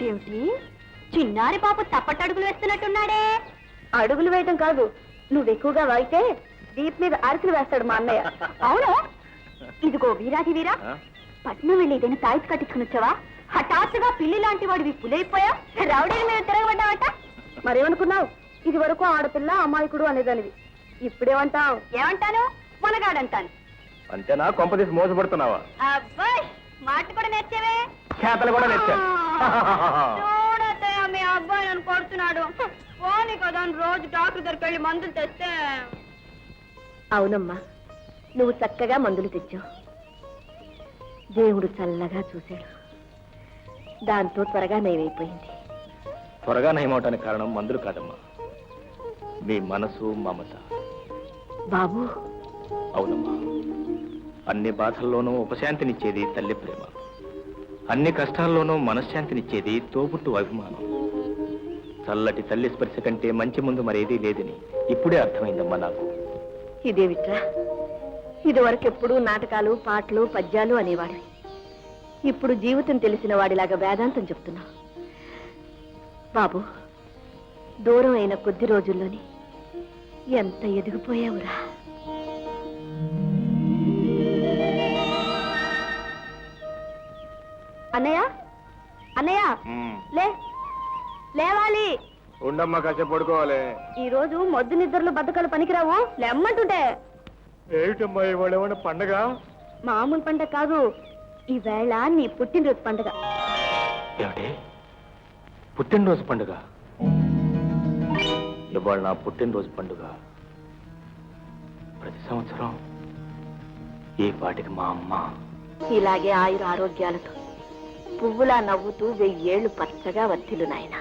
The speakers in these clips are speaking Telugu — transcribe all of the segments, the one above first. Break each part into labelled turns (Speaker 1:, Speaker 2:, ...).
Speaker 1: ఏమిటి చిన్నారి పాప తప్పటడుగులు వేస్తున్నట్టున్నాడే? అడుగులు వేయటం కాదు, నువ్వు ఎక్కువగా వాగితే దీప్ మీద అరకులు వేస్తాడు మా అన్నయ్య. అవును, ఇదిగో వీరాది వీరా, పట్నం వెళ్ళి ఏదైనా తాయిస్ కట్టించుకుని వచ్చావా? హఠాత్తుగా పిల్లి లాంటి వాడివి పులైపోయా, రౌడీల మీద తిరగబడ్డావట. మరేమనుకున్నావు? ఇది వరకు ఆడపిల్ల అమాయకుడు అనేదానివి, ఇప్పుడేమంటావు? ఏమంటాను? మొనగాడంటాను.
Speaker 2: అంతేనా? కొంపదీసి మోసపడుతున్నావా?
Speaker 1: అబ్బాయి, మాట కూడా నేర్చేవే,
Speaker 2: చేతలు కూడా నేర్చా.
Speaker 1: చూడతయ్య మీ అబ్బాయి నన్ను కొడుతున్నాడు. పోనీ కదా రోజు డాక్టర్ దగ్గరికి వెళ్ళి మందులు తెస్తే. అవునమ్మా, నువ్వు చక్కగా మందులు తెచ్చావు. దేవుడు చల్లగా చూశాడు, దాంతో త్వరగా నయమైపోయింది.
Speaker 2: త్వరగా నయమవటానికి కారణం మందులు కాదమ్మా, మీ మనసు మమత.
Speaker 1: బాబు,
Speaker 2: అవునమ్మా, అన్ని బాధల్లోనూ ఉపశాంతినిచ్చేది తల్లి ప్రేమ, అన్ని కష్టాల్లోనూ మనశ్శాంతినిచ్చేది తోబుట్టు అభిమానం. చల్లటి తల్లి స్పర్శ కంటే మంచి ముందు మరేదీ లేదని ఇప్పుడే అర్థమైందమ్మా నాకు.
Speaker 1: ఇదేమిట్రా, ఇదివరకెప్పుడు నాటకాలు, పాటలు, పద్యాలు అనేవాడివి. ఇప్పుడు జీవితం తెలిసిన వాడిలాగా వేదాంతం చెప్తున్నావు. బాబు, దూరం అయిన కొద్ది రోజుల్లోని ఎంత ఎదిగిపోయావురా. అన్నయ్య, అన్నయ్య, లేవాలి.
Speaker 2: ఉండమ్మా, కాసేపు పడుకోవాలి.
Speaker 1: ఈ రోజు మొద్దు నిద్రలు బద్దకాలు పనికిరావు, లేమ్మంటుంటే.
Speaker 2: ఏమిటమ్మా ఇవాళ ఏమన్నా పండగ?
Speaker 1: మామూలు పండగ కాదు, ఈవేళ నీ పుట్టినరోజు పండుగ.
Speaker 2: ఏమిటి, పుట్టినరోజు పండుగ? ఇవాళ నా పుట్టినరోజు పండుగ. ప్రతి సంవత్సరం ఈ పాటికి మా అమ్మ
Speaker 1: ఇలాగే ఆయుర ఆరోగ్యాలతో పువ్వులా నవ్వుతూ 1000 ఏళ్లు పచ్చగా వర్తిల్లు నాయనా.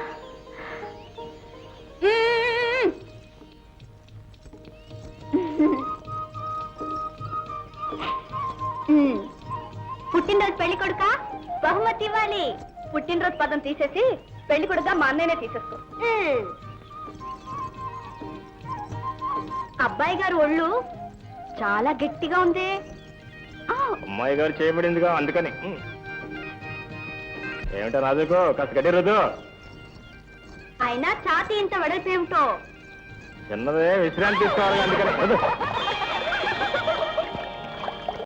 Speaker 1: పుట్టినరోజు పెళ్లి కొడుక బహుమతి ఇవ్వాలి. పుట్టినరోజు పదం తీసేసి పెళ్లి కొడుక మా అన్నయ్యనే తీసేసుకో. అబ్బాయి గారు ఒళ్ళు చాలా గట్టిగా ఉంది.
Speaker 2: అమ్మాయి గారు చేయబడిందిగా, అందుకని. ఏమిటో రాజుకో కాస్త గడ్డి రోజు.
Speaker 1: అయినా ఛాతీ ఇంత వెడల్పేమిటో.
Speaker 2: చిన్నదే, విశ్రాంతి తీసుకోవాలి, అందుకని.